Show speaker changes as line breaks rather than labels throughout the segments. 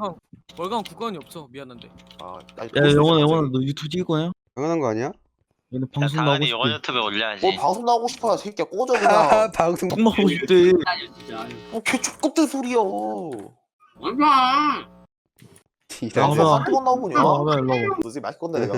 월강 국가원이 없어. 미안한데.
야 영원아 너 유튜브 찍을 거냐?
당연한 거 아니야?
얘네
야,
방송 나오고
당연히 영원
싶대.
유튜브에 올려야지.
뭐 방송 나오고 싶어 새끼야 꺼져
아
그냥.
방송
똥 먹고 싶대.
뭐개 족같은 소리야.
얼마?
지랄.
나와봐.
한두번 나오냐?
나와봐 일로 와봐.
너지 맛있 건데 내가.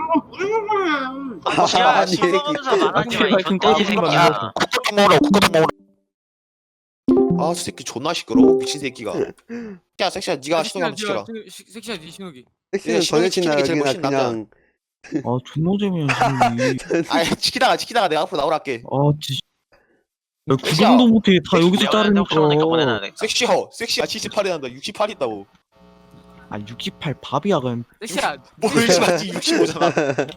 야,
아니,
씹어가면서 말하지 마, 이
좀
족돼지
까부는 거
새끼야.
아니야?
국가동 먹으라 국가동 먹으라. 아저 새끼 존나 시끄러워 미친 새끼가. 야 섹시야 네가 신호기 한번 시켜라.
섹시야 니 신호기.
섹시는
신호기
전해친나
시키는 게 제일
여기나
멋있는
그냥
아 존나 재미없어.
아 치키다가 내가 앞으로 나오라 할게.
아 진짜. 야 구경도 못해. 다 여기서
영원 혹시 모르니까
자르니까.
보내놔야 돼.
섹시야 78이 난다 68 있다고.
아 68 밥이야 그럼.
섹시야.
뭘 맞지 65잖아.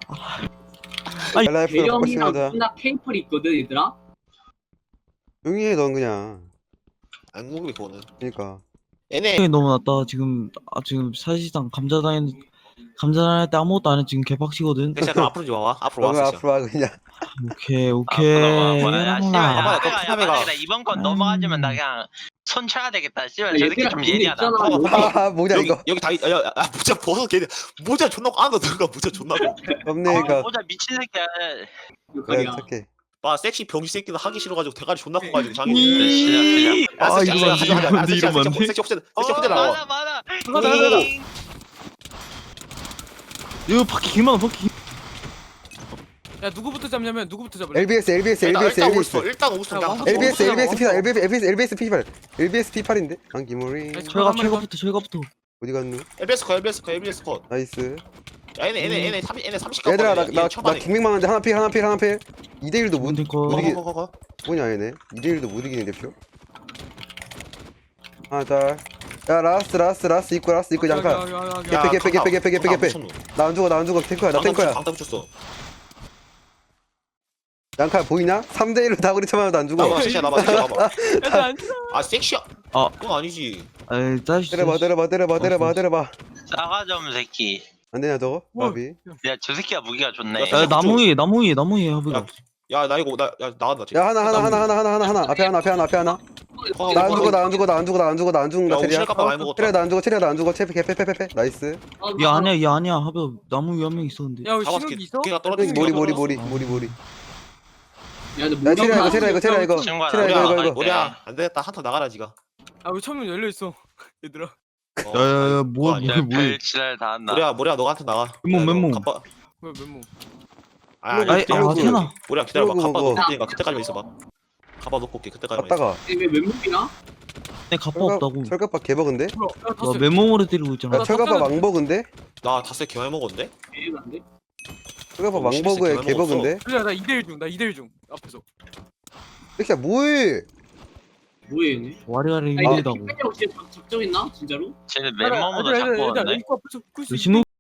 라이프로 바꿔
대형이랑
시면하자.
누나 페이퍼리 있거든 얘들아.
조용히 해 넌 그냥.
안 궁금해 그거는.
그러니까.
얘네
너무 낫다. 지금 사실상 감자당할 때 아무것도 안 해. 지금 개박치거든.
섹시야 그럼 앞으로 좀 와봐. 앞으로 와
너가
섹시야.
앞으로 와 그냥.
오케이.
야, 씨발, 야,
봐봐, 너
내가
푸나메가-
만약에 나 이번 건 넘어가지면 나 그냥 손 쳐야 되겠다. 씨발, 저 새끼
얘들아
좀
근데
예리하다.
있잖아.
아 뭐냐
여기
이거.
여기 다 야 모자 벗어 걔네 모자 존나 안으로 들어가 모자 존나.
없네가.
모자 미친 새끼야.
그래
욕하냐.
착해.
봐 섹시 병신 새끼는 하기 싫어가지고 대가리 존나 커가지고 장애.
시작.
아, 이러면 안 돼, 이러면 안 돼.
섹시 혹시 나와.
많아.
가자.
이거 바퀴 개많아 바퀴.
야 누구부터 잡냐면 누구부터 잡을래?
LBS
일단 오스터 일단 오스터
야,
그냥.
LBS
어,
LBS
어,
P8
어.
LBS P8 LBS P8인데 안기모리
철갑부터.
어디 갔노?
LBS 컷.
나이스.
야 얘네 30
얘들아
깎아.
나 국민만 한데 하나 필 2대1도 못
뭔데 거?
못 이기-
거.
뭐냐 얘네 2대1도 못 이기는 대표. 하나 짤. 야 라스트 입고 잠깐. 개패. 나 안 죽어 탱커야 나 탱커야.
방탄 붙였어.
양칼 보이냐? 3대1로 다구리 쳐맞아도 안 죽어.
나봐 섹시야 나봐.
야안
아 섹시야.
아.
그건 아니지.
에이 짜식.
때려봐.
싸가점 새끼.
안 되냐 저거?
뭐?
마비.
야, 저 새끼가 무기가 좋네.
야,
야 나무 위에 하부가.
야 나 이거 나 나간다.
야 하나 앞에 하나. 나 안 죽는다
야,
체리야.
옥실 깜빡 많이 먹었다.
체리야 나 안 죽어 페페 나이스.
얘 아니야 하부 나무 위에 한 명 있었는데.
야 우리
잡았어.
신호기 있어?
걔가 떨어진
머리.
야,
야 체리야 이거.
친구야,
체리야 이거.
뭐야 안 되겠다. 한턴 나가라 지가.
아 우리 천문 열려 있어. 얘들아.
야야야
그거 아니야.
뭐해.
별치랄 다 한다.
뭐야 너가 한턴 나가.
맨몸.
뭐야 맨몸.
아이 태나.
뭐야 기다려봐.
그거,
갑바
그거.
놓고 테니까 그때까지만 있어봐. 갑바 놓고 올게 그때까지만 있어.
갔다가
왜 맨몸이야?
내 갑바 없다고.
철갑밥 개버근데?
뭐야? 야
나
다섯.
맨몸으로 때리고 있잖아.
야 철갑밥 왕버근데?
나 다섯 개 많이 먹었는데?
애인한데?
철갑밥
어,
왕버그에
실수
개버근데?
그래 나 2대1 중 앞에서.
섹시야 뭐해?
뭐해 얘네?
와리가리
아 이거
힘들다고.
팬이라고 진짜 작정했나? 진짜로?
쟤는 맨몸으로 잡고
얘들아
왔네.
입구 앞에서 끌수 있어.
신호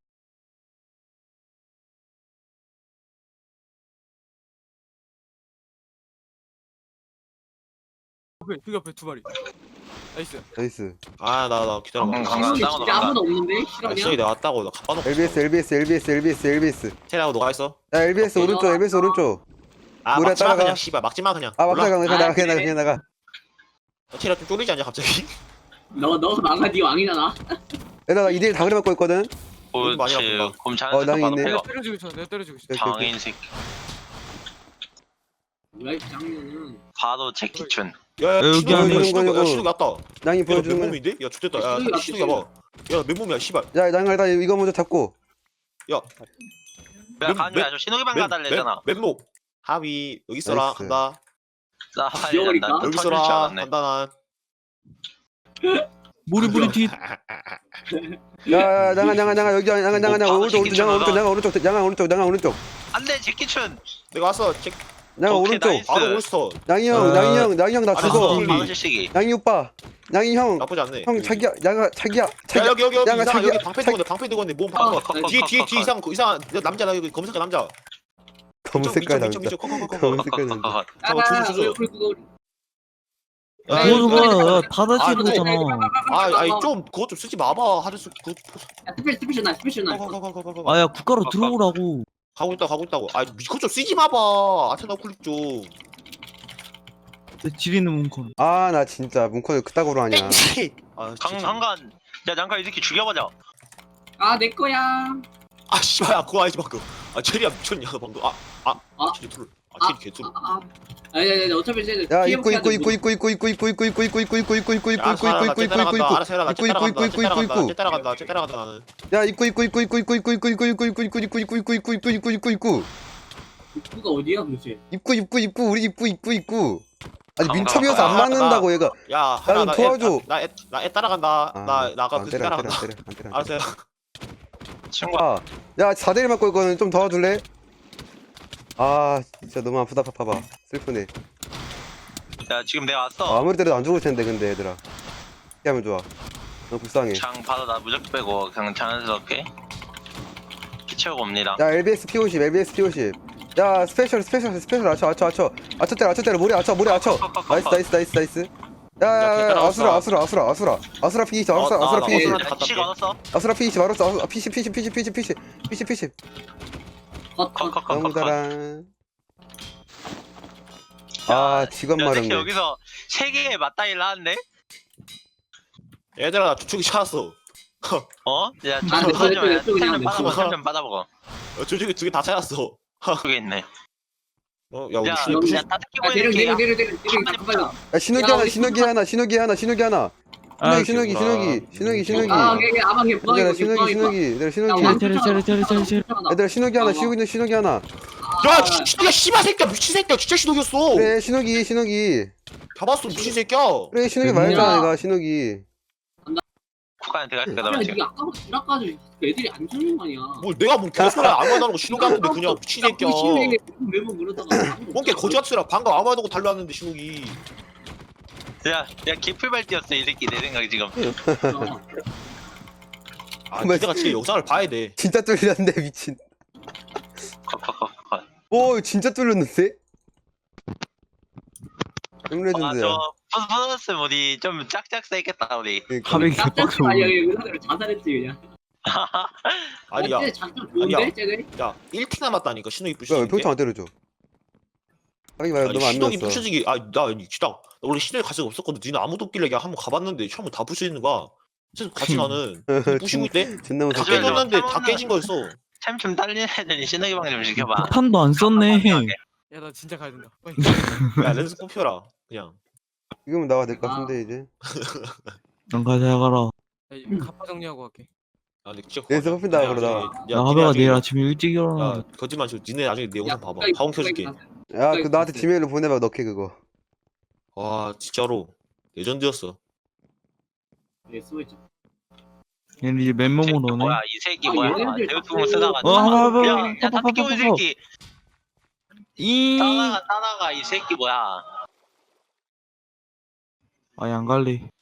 그 앞에 두 마리. 나이스.
나이스.
나 기다려봐.
강강.
진짜
나가다,
아무도 없는데?
아
실화냐?
시작이 내가 왔다고 나 갑바 놓고.
LBS.
테라고 너가 있어?
야 LBS 오른쪽.
아
뭐라
막지마
따라가.
그냥 씨발 막지마 그냥.
아
몰라?
막상
그래.
그냥 나가.
테라 좀 쫄리지 않냐 갑자기?
너가 망가 네 왕이잖아.
얘들아 나 2대1 다그리 맞고 있거든.
많이
그렇지.
아픈가?
곰
어,
자는
나
척
있네.
봐도
내가 때려주고 있어.
오케이.
장인 새끼.
뭐야 이 짱년은.
봐도 제키춘.
야야
여기
신호가
안에
신호가 왔다.
낭이
야
보여주는 거야.
맨몸인데? 야 좋됐다. 야
신호가
신호가 봐. 야 맨몸이야 씨발.
야 낭아 일단 이거 먼저 잡고.
야
야, 간주야, 저 신호기방 가달래잖아.
맨몸. 하위 여기 있어라
나이스.
간다.
싸가지
귀여우니까.
난다.
여기
터질 줄
있어라
알았네.
간다
머리 뒤.
야 낭아 여기 낭아 오른쪽.
안돼, 제키춘.
내가 왔어.
낭아
오케이,
오른쪽.
나이스.
바로 올스터.
낭이 형 나
아,
죽어.
아,
방실시기.
낭이 오빠. 낭이 형
나쁘지 않네.
자기야.
야 여기
양아,
이상
자기야.
여기 방패 들고 있네 몸
어,
방패 뒤에 이상 남자나 여기 검색한 남자.
검은 색깔 남자.
이쪽
검은 색깔 남자.
잠깐만, 주소.
아,
그거가 다다치는 거잖아.
아니 좀 그거 좀 쓰지 마봐 하드스 그
스페셜 나.
아야 국가로 들어오라고.
가고 있다고 아 그거 좀 쓰지 마봐 아테나 클릭 좀
지리는 문콘.
아 나 진짜 문콘을 그따구로 하냐.
아
강간. 야 장관 이 새끼 죽여버려.
아 내 거야.
아 씨발 야 그거 아니지 방금. 아 체리야 미쳤냐 너 방금. 체리 둘. 체리 개둘.
아니 어차피 쟤는
야
피해먹기
입구
하는데
따라간다 나는.
야 입구
입구가 어디야 도대체?
우리 입구 아니 민첩이어서 안 맞는다고 얘가.
야
좀 도와줘.
나애 따라간다. 나 아까 그 따라간다.
안 때려.
알았어요.
친구야.
야 4대1 맞고 있거든. 좀 도와줄래? 아 진짜 너무 아프다. 봐봐 슬프네.
야 지금 내가 왔어.
아무리 때려도 안 죽을 텐데 근데 얘들아 어떻게 하면 좋아. 너무 불쌍해.
장 받아 나 무적 빼고 그냥 자연스럽게 피 채우고 옵니다.
야 LBS P50 야 스페셜 아쳐 때려 머리 아쳐 나이스 야 아수라 피니시 아수라 피니시
치 걸었어.
아수라 피니시 말았어 피시 너무
컷컷컷컷.
잘한. 아 직업
야 새끼
마렵네.
여기서 세 개의 맞다이를 하는데?
얘들아 나 주축이 찾았어.
어? 야
아, 내
좀
쪽에
좀
내
받아먹어.
쪽에.
좀 받아먹어.
주축이 2개 다 찾았어.
그게 있네.
야 우리
야,
무슨
야, 다 뜯기고
야 내려
있는 게
내려 빨리.
야 신호기 하나 신호기
아 걔 아마 걔
얘들아
부엉이
신호기 얘들아 신호기 하나 씌우고 있는 신호기 하나.
야 진짜 씨발 새끼야 미친 새끼야 진짜 신호기였어.
그래 신호기
잡았어 미친 새끼야.
그래 신호기 말했잖아 내가 신호기.
국가한테 갈까
야
나 지금.
니가 아까부터 지나까지 애들이 안 죽는 거 아니야.
뭘 내가 뭔 개소리야 아무 말도 안 하고 신호기 하는데 그냥 미친 새끼야.
매번 그러다가
뭔개 거지 같은 소리야 방금 아무 말도 하고 달려왔는데 신호기.
야 개풀발 뛰었어 이 새끼 내 생각 지금.
아 니네가 진짜 영상을 봐야 돼.
진짜 뚫렸네 미친.
컷컷컷컷.
오 진짜 뚫렸는데? 레전드야.
아저 푸스푸스 우리 좀 짝짝 세겠다 우리.
하백이
짝짝지 아니야 의사대로 자살했지 그냥.
아니 야,
작전
아니야.
좋은데 쟤네?
야 1티 남았다니까 신호기
야
부시는
왜 평창 안 때려줘? 하기 말고 너무 안
신호기
넣었어.
부셔지기 나 진짜 원래 신호기 갈 생각 없었거든. 니네 아무도 없길래 그냥 한번 가봤는데 처음에 다 부시는 거야. 그래서 같이 나는 부시고 있대.
존나
다
무섭게.
깨졌는데 다 깨진 거였어.
참 좀 딸리는 애들이 신나게 방 좀 시켜봐.
폭탄도 안 썼네.
야 나 진짜 가야 된다. 빨리.
야 렌즈 뽑혀라 그냥.
지금은 나와야 될 것 같은데 이제.
난 가자 가라.
야, 이거 갑파 정리하고 갈게.
아 근데 진짜
렌즈 뽑힌다 그러다가.
야 하백아 내일 아침에 일찍 일어나.
야 거짓말 치고 니네 나중에 내 영상 봐봐. 파운 켜줄게.
야 그 나한테 지메일로 보내봐 넣게 그거.
와 진짜로 레전드였어.
예 쓰고있죠.
얘는 이제 맨몸으로 오네.
뭐야 이 새끼
아,
뭐야?
얘네들
대우투공
자꾸-
쓰다가.
봐봐.
야다 뜯기고 이 새끼.
이.
따라가 이 새끼 뭐야?
아예 안 갈래.